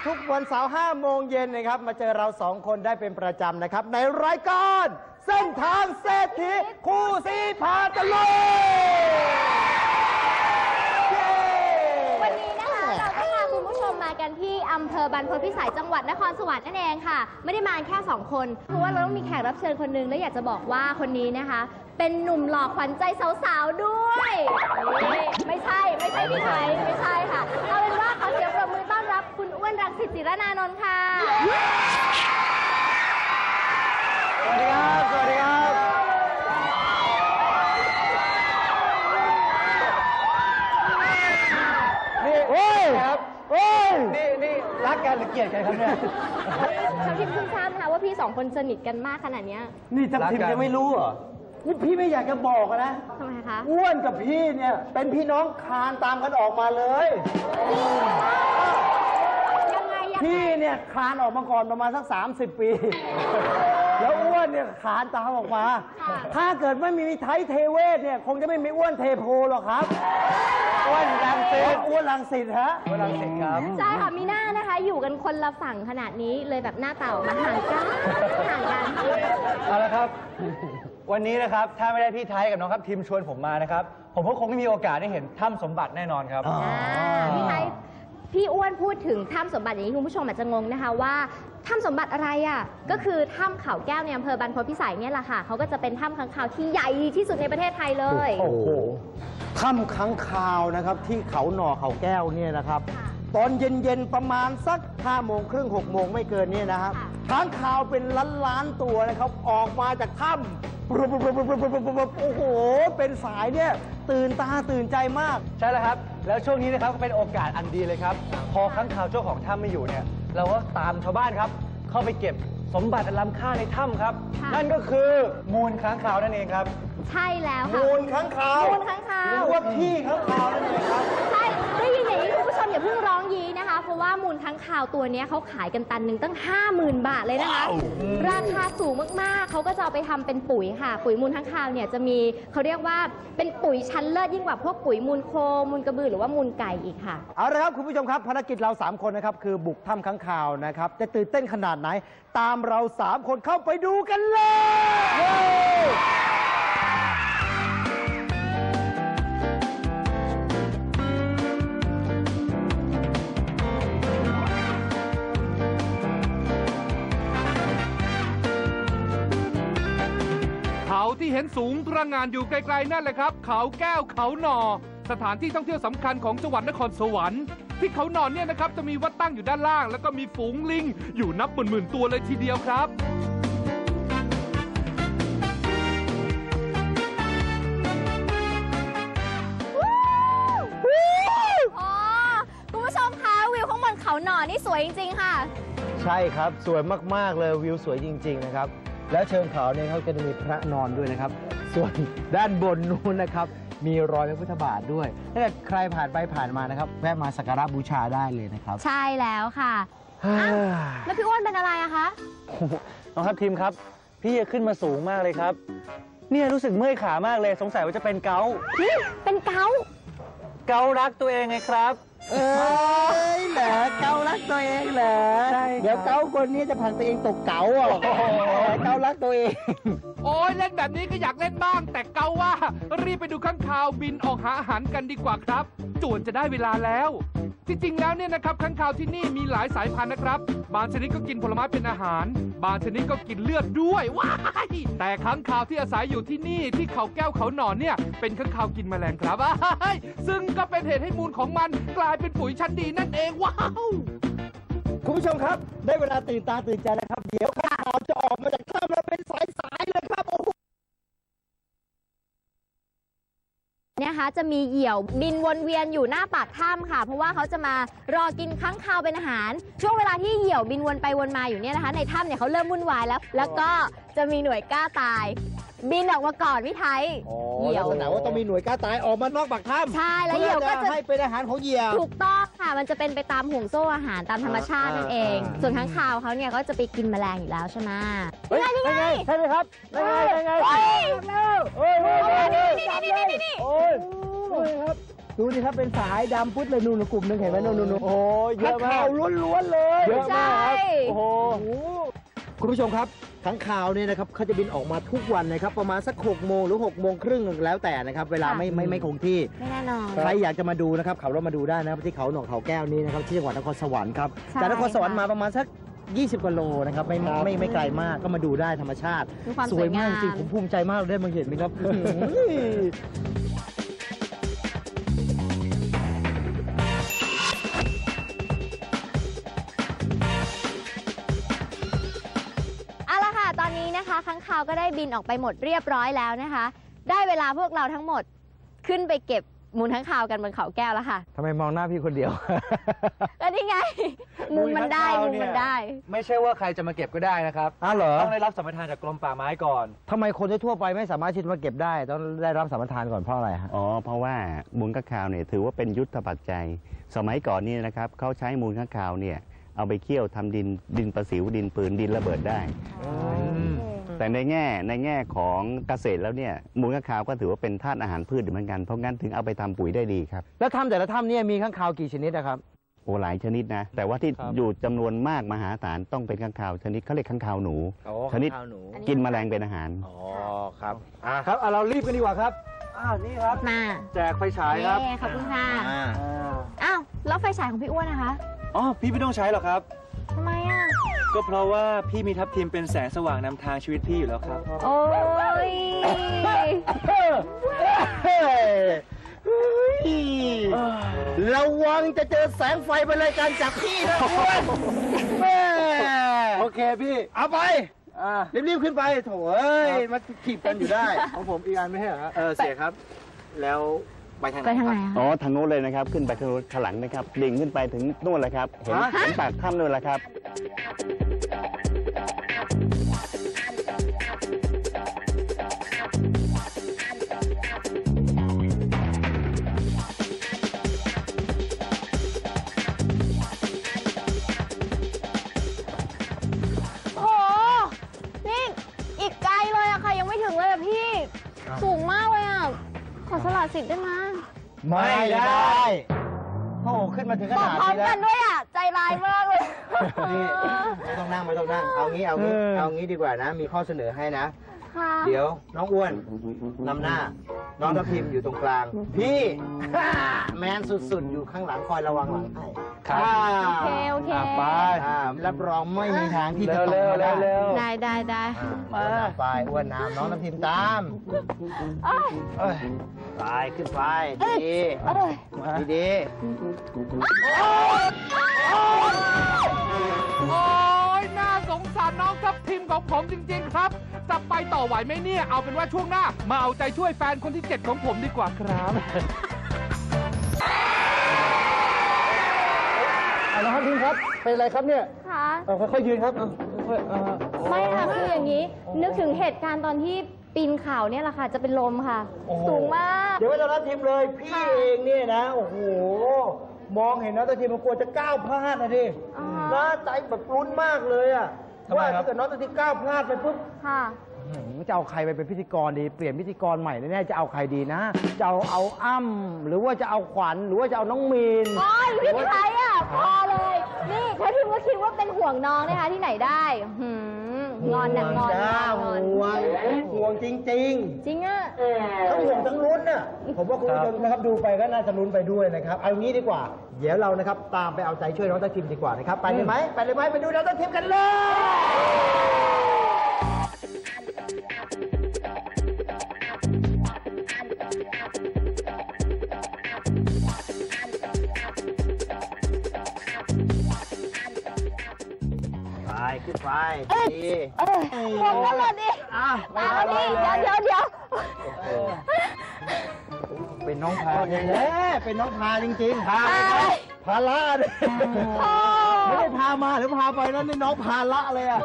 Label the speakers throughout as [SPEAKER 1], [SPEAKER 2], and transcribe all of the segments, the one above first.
[SPEAKER 1] ทุกวันเสาร์5 โมงเย็นนะครับมาเจอเรา2 คนได้เป็นประจำนะครับในรายการเส้นทางเศรษฐีคู่ซีพาตะลุย
[SPEAKER 2] วันนี้นะคะเราก็พาคุณผู้ชมมากันที่อำเภอบรรพตพิสัยจังหวัดนครสวรรค์นั่นเองค่ะไม่ได้มาแค่2 คนเพราะว่าเราต้องมีแขกรับเชิญคนหนึงและอยากจะบอกว่าคนนี้นะคะเป็นหนุ่มหล่อขวัญใจสาวๆด้วยไม่ใช่พี่ไทยไม่ใช่ค่ะเอาเป็นว่าขอเสียงปรบมือต้อนรับคุณอ้วนรังสิต จิรนานนท์ค่ะ
[SPEAKER 1] สวัสดีครับสวัสดีครับนี่โอ้ยครับโอ้ยนี่รักกันหรือเกลียดกันครับเนี่ย
[SPEAKER 2] ทัพทิมคุณทราบนะคะว่าพี่2 คนสนิทกันมากขนาดนี้
[SPEAKER 1] นี่ทัพทิมยังไม่รู้เหรอนี่พี่ไม่อยากจะบอกนะ
[SPEAKER 2] ทำไมคะ
[SPEAKER 1] อ้วนกับพี่เนี่ยเป็นพี่น้องคลานตามกันออกมาเลย
[SPEAKER 2] ยังไง
[SPEAKER 1] พี่เนี่ยคลานออกมาก่อนประมาณสัก30 ปีแล้วอ้วนเนี่ยคลานตามออกมาถ้าเกิดไม่มีไทยเทเวศเนี่ยคงจะไม่มีอ้วนเทโพหรอกครับอ้วนรังสิตอ้วนรังสิตฮะอ้วนรังสิตครับ
[SPEAKER 2] ใช่ค่ะมีหน้านะคะอยู่กันคนละฝั่งขนาดนี้เลยแบบหน้าเต่ามาห่างกัน
[SPEAKER 3] เอาละครับวันนี้นะครับถ้าไม่ได้พี่ไทยกับน้องครับทีมชวนผมมานะครับผมก็คงไม่มีโอกาสได้เห็นถ้ำสมบัติแน่นอนครับ
[SPEAKER 2] พี่ไทยพี่อ้วนพูดถึงถ้ำสมบัติอย่างนี้คุณผู้ชมอาจจะงงนะคะว่าถ้ำสมบัติอะไรอ่ะก็คือถ้ำเขาแก้วในอำเภอบรรพตพิสัยเนี่ยแหละค่ะเขาก็จะเป็นถ้ำค้างคาวที่ใหญ่ที่สุดในประเทศไทยเลย
[SPEAKER 1] โอ้โหถ้ำค้างคาวนะครับที่เขาหน่อเขาแก้วเนี่ยนะครับตอนเย็นๆประมาณสัก5 โมงครึ่ง6 โมงไม่เกินนี่นะครับค้างคาวเป็นล้านตัวนะครับออกมาจากถ้ำโอ้โหเป็นสายเนี่ยตื่นตาตื่นใจมาก
[SPEAKER 3] ใช่แล้วครับแล้วช่วงนี้นะครับก็เป็นโอกาสอันดีเลยครับพอค้างคาวเจ้าของถ้ำไม่อยู่เนี่ยเราก็ตามชาวบ้านครับเข้าไปเก็บสมบัติอันล้ำค่าในถ้ำครับนั่นก็คือมูลค้างคาวนั่นเองครับ
[SPEAKER 2] ใช่แล้วค่ะ
[SPEAKER 1] มูลค้างคาว
[SPEAKER 2] มูลค้างคาว
[SPEAKER 1] หรือว่าขี้ค้างคาวนั่นเองครับ
[SPEAKER 2] ใช่ได้ยินอย่างนี้คุณผู้ชมอย่าเพิ่งร้องยีนะคะเพราะว่ามูลค้างคาวตัวนี้เขาขายกันตันหนึ่งตั้ง 50,000 บาทเลยนะคะราคาสูงมากๆเขาก็จะเอาไปทำเป็นปุ๋ยค่ะปุ๋ยมูลค้างคาวเนี่ยจะมีเขาเรียกว่าเป็นปุ๋ยชั้นเลิศยิ่งกว่าพวกปุ๋ยมูลโคมูลกระบือหรือว่ามูลไก่อีกค่ะ
[SPEAKER 1] เอาละครับคุณผู้ชมครับภารกิจเรา3 คนนะครับคือบุกถ้ำค้างคาวนะครับจะตื่นเต้นขนาดไหนตามเรา3 คนเข้าไปดูกันเลย
[SPEAKER 4] เขาที่เห็นสูงตระหง่านอยู่ไกลๆนั่นแหละครับเขาแก้วเขาหนอสถานที่ท่องเที่ยวสำคัญของจังหวัดนครสวรรค์ที่เขาหนอเนี่ยนะครับจะมีวัดตั้งอยู่ด้านล่างแล้วก็มีฝูงลิงอยู่นับหมื่นๆตัวเลยทีเดียวครับ
[SPEAKER 2] คุณผู้ชมคะวิวข้างบนเขาหนอนี่สวยจริงๆค่ะ
[SPEAKER 1] ใช่ครับสวยมากๆเลยวิวสวยจริงๆนะครับแล้วเชิงเขาเนี่ยเขาจะมีพระนอนด้วยนะครับส่วนด้านบนนู้นนะครับมีรอยพระพุทธบาทด้วยถ้าเกิดใครผ่านไปผ่านมานะครับแวะมาสักการะบูชาได้เลยนะครับ
[SPEAKER 2] ใช่แล้วค่ะแล้วพี่อ้วนเป็นอะไรอะคะ
[SPEAKER 3] น้องครับทีมครับพี่ขึ้นมาสูงมากเลยครับเนี่ยรู้สึกเมื่อยขามากเลยสงสัยว่าจะเป็นเกาต์
[SPEAKER 2] เป็นเกา
[SPEAKER 3] รักตัวเองไงครับ
[SPEAKER 1] เหรอเการักตัวเองเหรอเดี๋ยวเกาคนนี้จะผ่านตัวเองตกเก๋าอ่ะเการักตัวเอง
[SPEAKER 4] โอ้ยเล่นแบบนี้ก็อยากเล่นบ้างแต่เกาว่ารีบไปดูข้างคาวบินออกหาอาหารกันดีกว่าครับจวนจะได้เวลาแล้วจริงๆแล้วเนี่ยนะครับข้างคาวที่นี่มีหลายสายพันธุ์นะครับบางชนิดก็กินผลไม้เป็นอาหารบางชนิดก็กินเลือดด้วยว้ายแต่ข้างคาวที่อาศัยอยู่ที่นี่ที่เขาแก้วเขาหนอนเนี่ยเป็นข้างคาวกินแมลงครับซึ่งก็เป็นเหตุให้มูลของมันกลายเป็นปุ๋ยชั้นดีนั่นเองว้าว
[SPEAKER 1] คุณผู้ชมครับได้เวลาตื่นตาตื่นใจแล้วครับเดี๋ยวข้างคาวจะออกมาจากถ้ำแล้วเป็นสายๆเลยครับ
[SPEAKER 2] เนี่ยคะจะมีเหยี่ยวบินวนเวียนอยู่หน้าปากถ้ำค่ะเพราะว่าเขาจะมารอกินค้างคาวเป็นอาหารช่วงเวลาที่เหยี่ยวบินวนไปวนมาอยู่เนี่ยนะคะในถ้ำเนี่ยเขาเริ่มวุ่นวายแล้วก็จะมีหน่วยกล้าตายบินออกมาก่อนพี่ไทย
[SPEAKER 1] เหยี่ยวลักษณะว่าต้องมีหน่วยกล้าตายออกมานอกปากถ้ำ
[SPEAKER 2] ใช่แล้วเหยี่ยวก็จะ
[SPEAKER 1] ให้เป็นอาหารของเหยี่ยว
[SPEAKER 2] ถูกต้องค่ะมันจะเป็นไปตามห่วงโซ่อาหารตามธรรมชาตินั่นเองส่วนค้างคาวเขาเนี่ยก็จะไปกินแมลงอยู่แล้วใช่ไหม
[SPEAKER 1] ยังไงใช่ไหมครับยังไง
[SPEAKER 2] นี่ครับดู
[SPEAKER 1] ดูสิครับเป็นสายดำพุดเลยนู่นกลุ่มหนึงเห็นไหมนู่นโอ้ยเยอะมาก
[SPEAKER 3] ข้างคาว
[SPEAKER 1] ล้วนๆเลย
[SPEAKER 3] เยอะมากครับ
[SPEAKER 2] ใช่
[SPEAKER 3] โอ้โห
[SPEAKER 1] คุณผู้ชมครับค้างคาวเนี่ยนะครับเขาจะบินออกมาทุกวันนะครับประมาณสัก6 โมงหรือ6 โมงครึ่งแล้วแต่นะครับเวลาไม่คงที่
[SPEAKER 2] ไม่แน่นอน
[SPEAKER 1] ใครอยากจะมาดูนะครับขับรถมาดูได้นะครับที่เขาหนองเขาแก้วนี้นะครับที่จังหวัดนครสวรรค์ครับ
[SPEAKER 2] ใช่
[SPEAKER 1] จากนครสวรรค์มาประมาณสัก20 กว่าโลนะครับไม่ไกลมากก็มาดูได้ธรรมชาติ
[SPEAKER 2] มีความ
[SPEAKER 1] สวยมาก
[SPEAKER 2] สวยงาม
[SPEAKER 1] จริงผมภูมิใจมากเลยได้มาเห็นไหมครับ
[SPEAKER 2] เอาละค่ะ ตอนนี้นะคะค้างคาวก็ได้บินออกไปหมดเรียบร้อยแล้วนะคะ ได้เวลาพวกเราทั้งหมดขึ้นไปเก็บมูลค้างคาวกันบนเขาแก้วแล้วค่ะ
[SPEAKER 1] ทำไมมองหน้าพี่คนเดียว
[SPEAKER 2] ก็นี่ไง มุมมันได้
[SPEAKER 3] มู
[SPEAKER 2] มุ
[SPEAKER 3] ล
[SPEAKER 2] ม
[SPEAKER 3] ค้างคาวเนี่ย
[SPEAKER 2] มันได้
[SPEAKER 3] ไม่ใช่ว่าใครจะมาเก็บก็ได้นะครับ
[SPEAKER 1] อ้าวเหรอ
[SPEAKER 3] ต้องได้รับสัมปทานจากกรมป่าไม้ก่อน
[SPEAKER 1] ทำไมคนทั่วไปไม่สามารถที่จะมาเก็บได้ต้องได้รับสัมปทานก่อนเพราะอะไรฮะ
[SPEAKER 5] อ๋อ เพราะว่ามูลค้างคาวเนี่ยถือว่าเป็นยุทธปัจจัย สมัยก่อนนี่นะครับเขาใช้มูลค้างคาวเนี่ยเอาไปเคี่ยวทำดินประสิวดินปืนดินระเบิดได้ แต่ในแง่ของเกษตรแล้วเนี่ยมูลค้างคาวก็ถือว่าเป็นธาตุอาหารพืชเหมือนกันเพราะงั้นถึงเอาไปทำปุ๋ยได้ดีครับ
[SPEAKER 1] แล้วถ้ำแต่ละถ้ำเนี่ยมีค้างคาวกี่ชนิดนะครับ
[SPEAKER 5] โอ้หลายชนิดนะ แต่ว่าที่
[SPEAKER 3] ครับ
[SPEAKER 5] อยู่จำนวนมากมหาศาลต้องเป็นค้างคาวชนิดเขาเรียกค้างคาวหนู ชนิด
[SPEAKER 1] ค้างคาวหนู
[SPEAKER 5] กินแมลงเป็นอาหาร
[SPEAKER 1] อ๋อครับ
[SPEAKER 3] ครับเรารีบกันดีกว่าครับนี่ครับ
[SPEAKER 2] มา
[SPEAKER 3] แจกไฟฉายครับ
[SPEAKER 2] เย้ขอบคุณค่ะ
[SPEAKER 1] อ่า
[SPEAKER 2] อ้าว แล้วไฟฉายของพี่อ้วนนะคะ
[SPEAKER 3] อ๋อพี่ไม่ต้องใช้หรอกครับ
[SPEAKER 2] ทำไมอ่ะ
[SPEAKER 3] ก็เพราะว่าพี่มีทัพทีมเป็นแสงสว่างนำทางชีวิตพี่อยู่แล้วครับ
[SPEAKER 2] โอ้ย
[SPEAKER 1] ระวังจะเจอแสงไฟบนรายการจากพี่นะอ้วนแม่
[SPEAKER 3] โอเคพี่
[SPEAKER 1] เอาไป รีบๆขึ้นไปโถเอ้ย มาถีบกันอยู่ได้
[SPEAKER 3] ของผมอีกอันไม่ใช่เหรอฮะ
[SPEAKER 1] เสียครับ แล้วไปทางไหน
[SPEAKER 2] ไปทางไหน
[SPEAKER 1] ครับ
[SPEAKER 2] อะ
[SPEAKER 5] อ๋อทางโน้นเลยนะครับ ขึ้นไปทางโน้นข้างหลังนะครับดิ่งขึ้นไปถึงนู่นเลยครับ เห็นปากถ้ำนู่นแหละครับ
[SPEAKER 2] โอ้โห นี่อีกไกลเลยอะค่ะ ยังไม่ถึงเลยอะพี่ สูงมากเลยอะขอสละสิทธิ์ได้ไหม
[SPEAKER 1] ไม่ได้โอ้โหขึ้นมาถึงข
[SPEAKER 2] บอก
[SPEAKER 1] นาด
[SPEAKER 2] พร้อม
[SPEAKER 1] นี้แล้
[SPEAKER 2] กั
[SPEAKER 1] วน
[SPEAKER 2] ด้วยอะใจร้ายมากเลย
[SPEAKER 1] นี่ไม่ต้องนั่ง เอางี้ดีกว่านะ มีข้อเสนอให้นะ
[SPEAKER 2] ค่ะ
[SPEAKER 1] เดี๋ยวน้องอ้วนนำหน้า น้องทัพทิมอยู่ตรงกลาง พี่ แมนสุดๆ อยู่ข้างหลังคอยระวังหลังให้
[SPEAKER 3] ครับ
[SPEAKER 2] โอเค
[SPEAKER 3] ไป
[SPEAKER 1] รับรองไม่มีทางที่จะตก
[SPEAKER 3] เร็ว
[SPEAKER 1] มา
[SPEAKER 3] เร็
[SPEAKER 1] ได้
[SPEAKER 3] วเร็ว
[SPEAKER 2] ได้
[SPEAKER 1] อ้วนนำไปอ้วนนำน้องทัพทิมตาม
[SPEAKER 2] เอ้ย
[SPEAKER 1] ไปขึ้นไปดี
[SPEAKER 2] เอ้ย
[SPEAKER 1] ดี
[SPEAKER 4] โอ้ยน่าสงสารน้องทัพทิมของผมจริง ๆ ครับ จะไปต่อไหวไหมเนี่ย เอาเป็นว่าช่วงหน้า มาเอาใจช่วยแฟนคนที่ 7 ของผมดีกว่าครับ
[SPEAKER 3] น้องทัพทีมครับ เป็นอะไรครับเนี่ย
[SPEAKER 2] ค่ะ
[SPEAKER 3] ค่อยๆยืนครับค่อยๆ
[SPEAKER 2] ไม่ค่ะคืออย่างนี้ นึกถึงเหตุการณ์ตอนที่ปีนเขาเนี่ยแหละค่ะ จะเป็นลมค่ะ สูงมาก
[SPEAKER 1] เดี๋ยวไม่ต้องรับทิมเลย พี่เองเนี่ยนะ โอ้โห มองเห็นน้องทัพทิมมันกลัวจะก้าวพลาดนะดิ
[SPEAKER 2] อ๋อ
[SPEAKER 1] น่าใจแบบรุ้นมากเลยอะ
[SPEAKER 3] ทำไม
[SPEAKER 1] ว่า
[SPEAKER 3] ครับ
[SPEAKER 1] ถ้าเกิดน้องทัพทิมก้าวพลาดไปปุ๊บ
[SPEAKER 2] ค่ะ
[SPEAKER 1] จะเอาใครไปเป็นพิธีกรดี เปลี่ยนพิธีกรใหม่แน่ๆจะเอาใครดีนะ จะเอาอ้ำหรือว่าจะเอาขวัญหรือว่าจะเอาน้องมีน
[SPEAKER 2] โอ้ยพี่ไทยอ่ะ พอเลย นี่ถ้าทิมก็คิดว่าเป็นห่วงน้องนะคะที่ไหนได้งอนนะงอน
[SPEAKER 1] จ้าง
[SPEAKER 2] อน
[SPEAKER 1] ห่วงจริง
[SPEAKER 2] จริงอ่ะ
[SPEAKER 1] ๆทั้งห่วงทั้งลุ้นน่ะผมว่าคุณผู้ชมนะครับดูไปก็น่าจะลุ้นไปด้วยนะครับเอางี้ดีกว่า เดี๋ยวเรานะครับตามไปเอาใจช่วยน้องทัพทิมดีกว่านะครับไปเลยไหมไปดูน้องทัพทิมกันเลย ไปขึ้นไปดี
[SPEAKER 2] ห่วงกันเลยดิ เอาดิเดี๋ยว
[SPEAKER 1] เป็นน้องพาแท้ๆเป็นน้องพาจริงๆ พาไปครับพาละเลย
[SPEAKER 2] พ่อ
[SPEAKER 1] ไม่ได้พามาหรือพาไปนั่นนี่น้องพาละเลยอ่ะ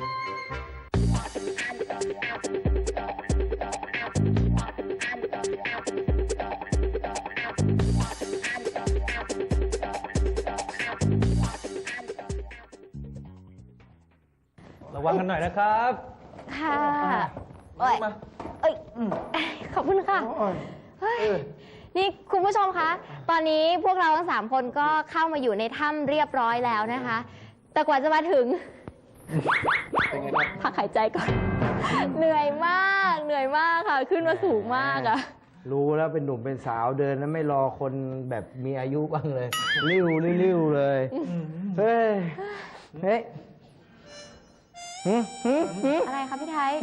[SPEAKER 3] ระวังกันหน่อยนะครับ
[SPEAKER 2] ค่ะโอ้ยเอ้ยขอบคุณค่ะ เฮ้ยนี่คุณผู้ชมคะ ตอนนี้พวกเราทั้ง3 คนก็เข้ามาอยู่ในถ้ำเรียบร้อยแล้วนะคะ แต่กว่าจะมาถึง พักหายใจก่อน เหนื่อยมากค่ะ ขึ้นมาสูงมากอะ
[SPEAKER 1] รู้แล้วเป็นหนุ่มเป็นสาวเดินแล้วไม่รอคนแบบมีอายุบ้างเลยริ้วเลย เฮ้ย เฮ้ย
[SPEAKER 2] อะไรคะพี่ไทย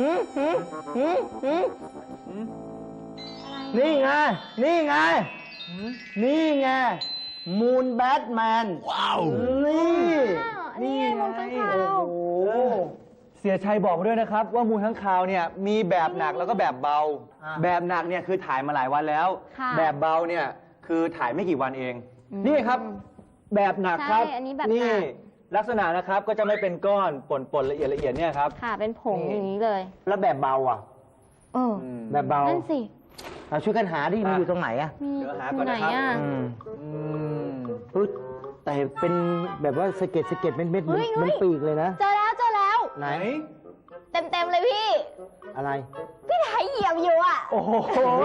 [SPEAKER 1] นี่ไง นี่ไง นี่ไง มูนแบทแมน ว้าว
[SPEAKER 2] นี่ไงมูลค้างคาว
[SPEAKER 1] โอ้โห
[SPEAKER 3] เสียชัยบอกมาด้วยนะครับ ว่ามูลค้างคาวเนี่ยมีแบบหนักแล้วก็แบบเบา
[SPEAKER 1] อ่า
[SPEAKER 3] แบบหนักเนี่ยคือถ่ายมาหลายวันแล้ว
[SPEAKER 2] ค่ะ
[SPEAKER 3] แบบเบาเนี่ยคือถ่ายไม่กี่วันเอง นี่ครับ แบบหนักครับ
[SPEAKER 2] ใช่อันนี้แบบหนัก
[SPEAKER 3] นี่ลักษณะนะครับก็จะไม่เป็นก้อนป่นละเอียดเนี่ยครับ
[SPEAKER 2] ค่ะ เป็นผงอย่างนี้เลย
[SPEAKER 1] แล้วแบบเบาอ่ะ
[SPEAKER 2] เออ
[SPEAKER 1] แบบเบา
[SPEAKER 2] นั่นสิ
[SPEAKER 1] เอาช่วยกันหาดิมันอยู่ตรงไหนอ่ะ
[SPEAKER 2] มี
[SPEAKER 3] เดี๋ยวหา
[SPEAKER 2] อ
[SPEAKER 3] ก่อยู่ น
[SPEAKER 2] ไหน
[SPEAKER 3] นะครับ
[SPEAKER 2] อ่ะ
[SPEAKER 1] ปึ๊ดแต่เป็นแบบว่าสะเก็ดเป็นเม็ด
[SPEAKER 2] เฮ้ย
[SPEAKER 1] มันปีกเลยนะ
[SPEAKER 2] เจอแล้ว
[SPEAKER 1] ไหน
[SPEAKER 2] เต็มเลยพี่
[SPEAKER 1] อะไร
[SPEAKER 2] พี่ไทยเหยียบอยู่อ่ะ
[SPEAKER 1] โอ้โห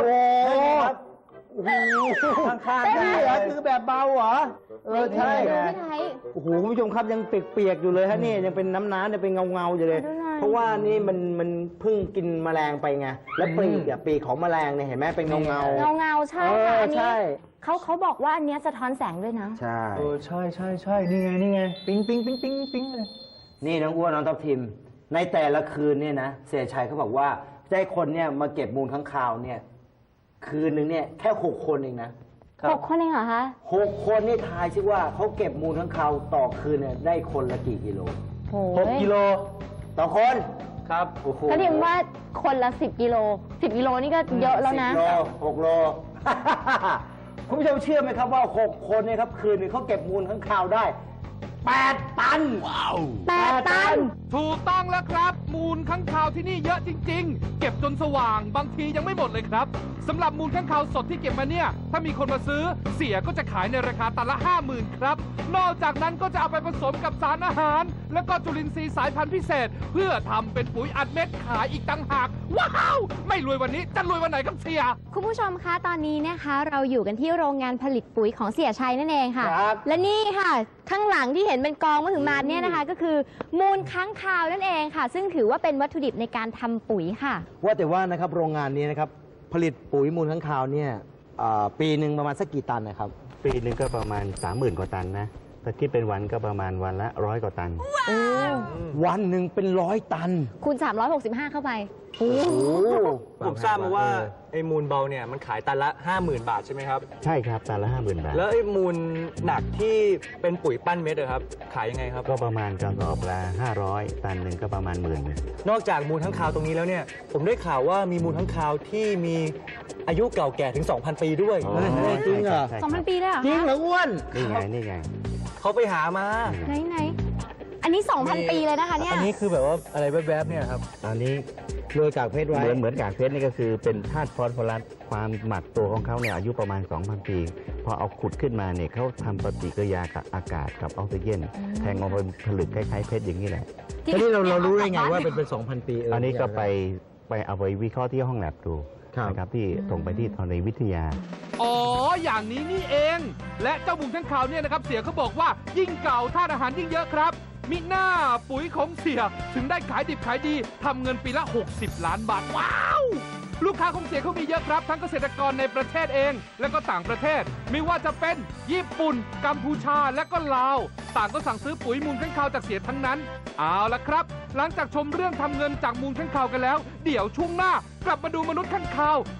[SPEAKER 3] ข้างๆ
[SPEAKER 1] นี่เหรอคือแบบเบาเหรอ ใช่
[SPEAKER 2] ดู
[SPEAKER 1] ไง
[SPEAKER 2] พี่ไทย
[SPEAKER 1] โอ้โหคุณผู้ชมครับยังเปียกๆอยู่เลยฮะนี่ยังเป็นน้ำเนี่ยเป็นเงาๆอยู่เลย
[SPEAKER 2] ดูหน่อย
[SPEAKER 1] เพราะว่านี่มันเพิ่งกินแมลงไปไง แล้วปีกของแมลงเนี่ยเห็นไหมเป็นเงา
[SPEAKER 2] เงาใช่
[SPEAKER 1] เอ
[SPEAKER 2] ค่ะ
[SPEAKER 1] อ
[SPEAKER 2] อันนี้
[SPEAKER 1] ใช่
[SPEAKER 2] เขาบอกว่าอันเนี้ยสะท้อนแสงด้วยนะ
[SPEAKER 1] ใช่
[SPEAKER 3] ใช่นี่ไงปิ๊งเลย
[SPEAKER 1] นี่น้องอ้วนน้องทับทิม ในแต่ละคืนเนี่ยนะเสียชัยเขาบอกว่าจะให้คนเนี่ยมาเก็บมูลค้างคาวเนี่ย คืนหนึ่งเนี่ยแค่6 คนเองนะ
[SPEAKER 2] 6 คนเองเหรอคะ
[SPEAKER 1] 6 คนนี่ทายซิว่าเขาเก็บมูลค้างคาวต่อคืนเนี่ยได้คนละกี่กิโล
[SPEAKER 2] โอ้
[SPEAKER 3] 6 กิโล
[SPEAKER 1] ต่อคน
[SPEAKER 3] ครับ
[SPEAKER 1] โอ้โห
[SPEAKER 2] ก็ดิมว่าคนละ10 กิโล 10 กิโลนี่ก็เยอะแล้วนะ
[SPEAKER 1] 10 โล 6 โล คุณผู้ชมเชื่อไหมครับว่า 6 คนเนี่ยครับคืนนึงเขาเก็บมูลค้างคาวได้ 8 ตัน
[SPEAKER 2] 8 ตัน
[SPEAKER 4] ถูกต้องแล้วครับ มูลค้างคาวที่นี่เยอะจริง ๆ เก็บจนสว่างบางทียังไม่หมดเลยครับสำหรับมูลค้างคาวสดที่เก็บมาเนี่ย ถ้ามีคนมาซื้อเสียก็จะขายในราคาตันละ 50,000 ครับ นอกจากนั้นก็จะเอาไปผสมกับสารอาหาร แล้วก็จุลินทรีย์สายพันธุ์พิเศษ เพื่อทำเป็นปุ๋ยอัดเม็ดขายอีกต่างหาก ว้าว ไม่รวยวันนี้จะรวยวันไหนครับเสีย
[SPEAKER 2] คุณผู้ชมคะตอนนี้นะคะเราอยู่กันที่โรงงานผลิตปุ๋ยของเสียชัยนั่นเองค่ะ
[SPEAKER 1] ครับ
[SPEAKER 2] และนี่ค่ะ ข้างหลังที่เห็นเป็นกองมะถึงมาเนี่ยนะคะ ก็คือมูลค้างคาวนั่นเองค่ะ ซึ่งถือว่าเป็นวัตถุดิบในการทำปุ๋ยค่ะ
[SPEAKER 1] ว่าแต่ว่านะครับโรงงานนี้นะครับผลิตปุ๋ยมูลค้างคาวเนี่ยปีหนึ่งประมาณสักกี่ตันนะครับ
[SPEAKER 5] ปีหนึงก็ประมาณ 30,000 กว่าตันนะถ้าคิดเป็นวันก็ประมาณวันละ100 กว่าตัน
[SPEAKER 1] วันหนึ่งเป็น100 ตัน
[SPEAKER 2] คูณ365 เข้าไป
[SPEAKER 1] โอ้โห
[SPEAKER 3] ผมทราบมาว่าไอ้มูลเบาเนี่ยมันขายตันละ 50,000 บาทใช่ไหมครับ
[SPEAKER 5] ใช่ครับตันละ 50,000 บาท
[SPEAKER 3] แล้วไอ้มูลหนักที่เป็นปุ๋ยปั้นเม็ดอะครับ ขายยังไงครับ
[SPEAKER 5] ก็ประมาณกระสอบละ500 ตันหนึ่งก็ประมาณ10,000
[SPEAKER 3] นอกจากมูลค้างคาวตรงนี้แล้วเนี่ย ผมได้ข่าวว่ามีมูลค้างคาวที่มีอายุเก่าแก่ถึง 2,000 ปีด้วย
[SPEAKER 1] เฮ้ยจริงเหรอ
[SPEAKER 5] ใช่ครับ
[SPEAKER 2] 2,000 ปีได้เหรอ
[SPEAKER 1] จริง
[SPEAKER 2] คะ
[SPEAKER 1] เหรออ้วน
[SPEAKER 5] นี่ไง
[SPEAKER 3] เขาไปหามา
[SPEAKER 2] ไหนอันนี้ 2,000 ปีเลยนะคะเนี่ย
[SPEAKER 3] อันนี้คือแบบว่าอะไรแวบๆเนี่ยครับ
[SPEAKER 5] ตอนนี้
[SPEAKER 1] โรยกากเพชรไว้
[SPEAKER 5] เหมือนกากเพชรนี่ก็คือเป็นธาตุฟอสฟอรัสความหมักตัวของเขาเนี่ยอายุประมาณ 2,000 ปี พอเอาขุดขึ้นมาเนี่ยเขาทำปฏิกิริยากับอากาศกับออกซิเจน แทงออกมาเป็นผลึกคล้ายๆเพชรอย่างนี้แหละ
[SPEAKER 1] ทีนี้เรารู้ได้ไงว่าเป็น 2,000 ปี
[SPEAKER 5] อันนี้ก็ไปเอาไปวิเคราะห์ที่ห้องแลบดู
[SPEAKER 1] ครับ
[SPEAKER 5] นะครับที่ส่งไปที่ธรณีวิทยา
[SPEAKER 4] อ๋อ อย่างนี้นี่เอง และเจ้ามูลค้างคาวเนี่ยนะครับ เสียเขาบอกว่ายิ่งเก่าธาตุอาหารยิ่งเยอะครับ มิหน้าปุ๋ยของเสียถึงได้ขายดิบขายดีทำเงินปีละ 60 ล้านบาท ว้าว ลูกค้าของเสียเขามีเยอะครับ ทั้งเกษตรกรในประเทศเอง และก็ต่างประเทศ ไม่ว่าจะเป็นญี่ปุ่น กัมพูชาและก็ลาว ต่างก็สั่งซื้อปุ๋ยมูลค้างคาวจากเสียทั้งนั้น เอาละครับ หลังจากชมเรื่องทำเงินจากมูลค้างคาวกันแล้ว เดี๋ยวช่วงหน้ากลับมาดูมนุษย์ค้างคาว